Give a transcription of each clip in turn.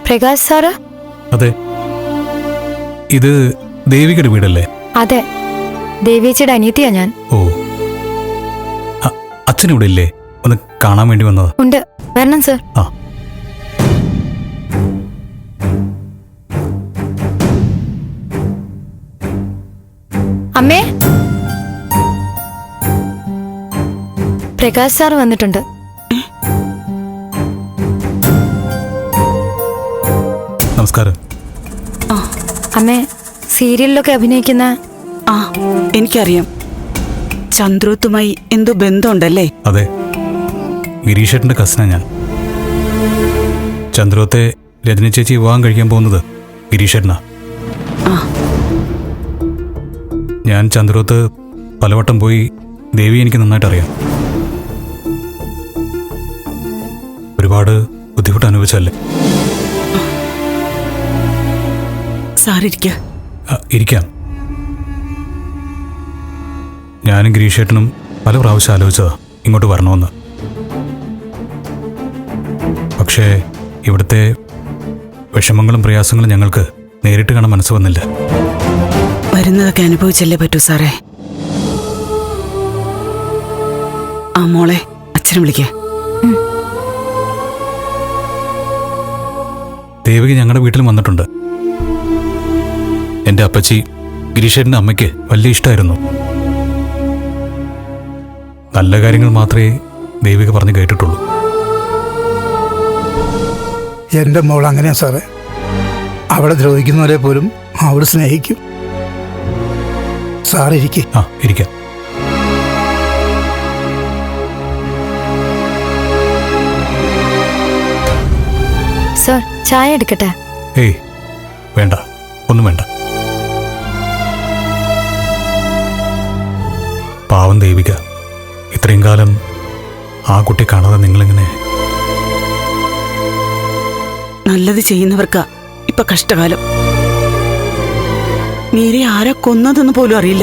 Prakash sir? അതെ. ഇത് ദേവികയുടെ വീടല്ലേ? അതെ, ദേവിയച്ചിയുടെ അനിയത്തിയാ ഞാൻ. ഓ, അച്ഛനിവിടെ ഇല്ലേ? ഒന്ന് കാണാൻ വേണ്ടി വന്നതാ. ഉണ്ട്, വരണം സർ. ആ, അമ്മേ, പ്രകാശ് സാർ വന്നിട്ടുണ്ട്. നമസ്കാരം. അമ്മേ, സീരിയലിലൊക്കെ അഭിനയിക്കുന്ന... ആ, എനിക്കറിയാം. ചന്ദ്രോത്തുമായി എന്തോ ബന്ധമുണ്ടല്ലേ? അതെ, ഗിരീഷേട്ടന്റെ കസിനാ ഞാൻ. ചന്ദ്രോത്തെ രജനി ചേച്ചി വിവാഹം കഴിക്കാൻ പോകുന്നത് ഗിരീഷേട്ടനാ. ഞാൻ ചന്ദ്രോത്ത് പലവട്ടം പോയി. ദേവി എനിക്ക് നന്നായിട്ട് അറിയാം. ഒരുപാട് ബുദ്ധിമുട്ട് അനുഭവിച്ചല്ലേ. ഇരിക്കാം. ഞാനും ഗിരീഷേട്ടനും പല പ്രാവശ്യം ആലോചിച്ചതാ ഇങ്ങോട്ട് വരണമെന്ന്. പക്ഷേ ഇവിടുത്തെ വിഷമങ്ങളും പ്രയാസങ്ങളും ഞങ്ങൾക്ക് നേരിട്ട് കാണാൻ മനസ്സ് വന്നില്ല. വരുന്നതൊക്കെ അനുഭവിച്ചല്ലേ പറ്റൂ സാറേ. ആ മോളെ, അച്ഛനെ വിളിക്കേ. ദേവിക ഞങ്ങളുടെ വീട്ടിൽ വന്നിട്ടുണ്ട്. എന്റെ അപ്പച്ചി ഗിരീഷേട്ടന്റെ അമ്മയ്ക്ക് വലിയ ഇഷ്ടമായിരുന്നു. നല്ല കാര്യങ്ങൾ മാത്രമേ ദേവിക പറഞ്ഞു കേട്ടിട്ടുള്ളൂ. എൻ്റെ മോൾ അങ്ങനെയാ സാറേ. അവളെ ദ്രോഹിക്കുന്നവരെ പോലും അവൾ സ്നേഹിക്കും. സാർ ഇരിക്കേ. ആ, ഇരിക്കാം. സർ, ചായ എടുക്കട്ടെ? ഏയ് വേണ്ട, ഒന്നും വേണ്ട. പാവം ദേവിക, ഇത്രയും കാലം ആ കുട്ടി കാണാതെ നിങ്ങളിങ്ങനെ... നല്ലത് ചെയ്യുന്നവർക്കാ ഇപ്പൊ കഷ്ടകാലം. മീരെ ആരാ കൊന്നതെന്ന് പോലും അറിയില്ല.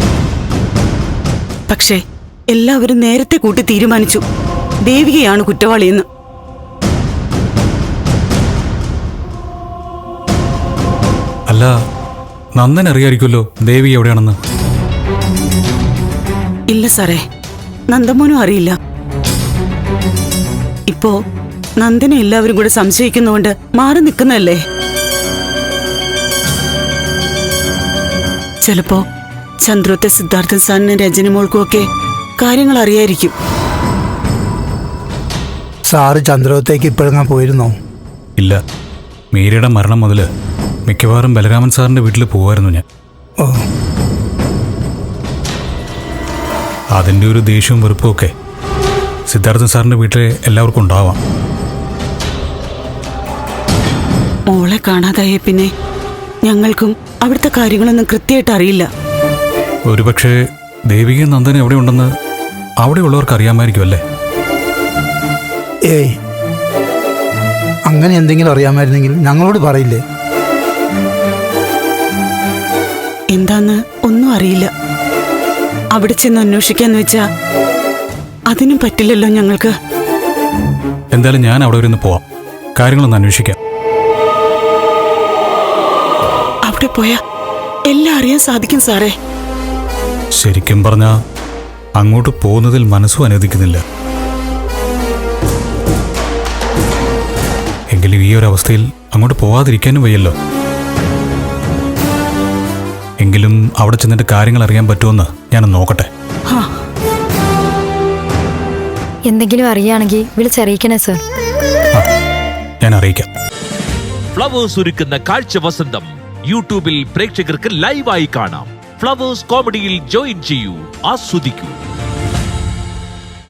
പക്ഷേ എല്ലാവരും നേരത്തെ കൂട്ടി തീരുമാനിച്ചു ദേവികയാണ് കുറ്റവാളിയെന്ന്. അല്ല, നന്ദൻ അറിയായിരിക്കുമല്ലോ ദേവി എവിടെയാണെന്ന്. ഇല്ല സാറേ, നന്ദമോനും അറിയില്ല. ഇപ്പോ നന്ദനെ എല്ലാവരും കൂടെ സംശയിക്കുന്നതുകൊണ്ട് മാറി നിൽക്കുന്നല്ലേ. ചിലപ്പോ ചന്ദ്രോത്തെ സിദ്ധാർത്ഥൻ സാറിനും രജനി മോൾക്കും ഒക്കെ കാര്യങ്ങൾ അറിയായിരിക്കും. സാറ് ചന്ദ്രോത്തേക്ക് ഇപ്പോഴെങ്ങാൻ പോയിരുന്നോ? ഇല്ല, മീരയുടെ മരണം മുതൽ മിക്കവാറും ബലരാമൻ സാറിന്റെ വീട്ടിൽ പോവായിരുന്നു ഞാൻ. ഓ, അതിൻ്റെ ഒരു ദേഷ്യവും വെറുപ്പും ഒക്കെ സിദ്ധാർത്ഥൻ സാറിന്റെ വീട്ടിലെ എല്ലാവർക്കും ഉണ്ടാവാം. മോളെ കാണാതായ പിന്നെ ഞങ്ങൾക്കും അവിടുത്തെ കാര്യങ്ങളൊന്നും കൃത്യമായിട്ട് അറിയില്ല. ഒരുപക്ഷെ ദേവികയും നന്ദനും എവിടെ ഉണ്ടെന്ന് അവിടെയുള്ളവർക്ക് അറിയാമായിരിക്കും അല്ലേ? ഏയ്, അങ്ങനെ എന്തെങ്കിലും അറിയാമായിരുന്നെങ്കിൽ ഞങ്ങളോട് പറയില്ലേ? എന്താന്ന് ഒന്നും അറിയില്ല. അവിടെ ചെന്ന് അന്വേഷിക്കാന്ന് വെച്ചാ അതിനും പറ്റില്ലല്ലോ ഞങ്ങൾക്ക്. എന്തായാലും ഞാൻ അവിടെ വരെ ഒന്ന് പോവാം, കാര്യങ്ങളൊന്ന് അന്വേഷിക്കാം. അവിടെ പോയാ എല്ലാം അറിയാൻ സാധിക്കും സാറേ. ശരിക്കും പറഞ്ഞാ അങ്ങോട്ട് പോകുന്നതിൽ മനസ്സും അനുവദിക്കുന്നില്ല. എങ്കിലും ഈ ഒരു അവസ്ഥയിൽ അങ്ങോട്ട് പോവാതിരിക്കാനും വയ്യല്ലോ. എങ്കിലും അവിടെ ചെന്നിട്ട് കാര്യങ്ങൾ അറിയാൻ പറ്റുമെന്ന് ഞാനൊന്ന് നോക്കട്ടെ. എന്തെങ്കിലും അറിയുകയാണെങ്കിൽ വിളിച്ചറിയിക്കണേ സർ. ഞാൻ അറിയിക്കാം. ഫ്ലവേഴ്സ് ഒരുക്കുന്ന കാഴ്ച വസന്തം യൂട്യൂബിൽ പ്രേക്ഷകർക്ക് ലൈവായി കാണാം. ഫ്ലവേഴ്സ് കോമഡിയിൽ ജോയിൻ ചെയ്യൂ, ആസ്വദിക്കൂ.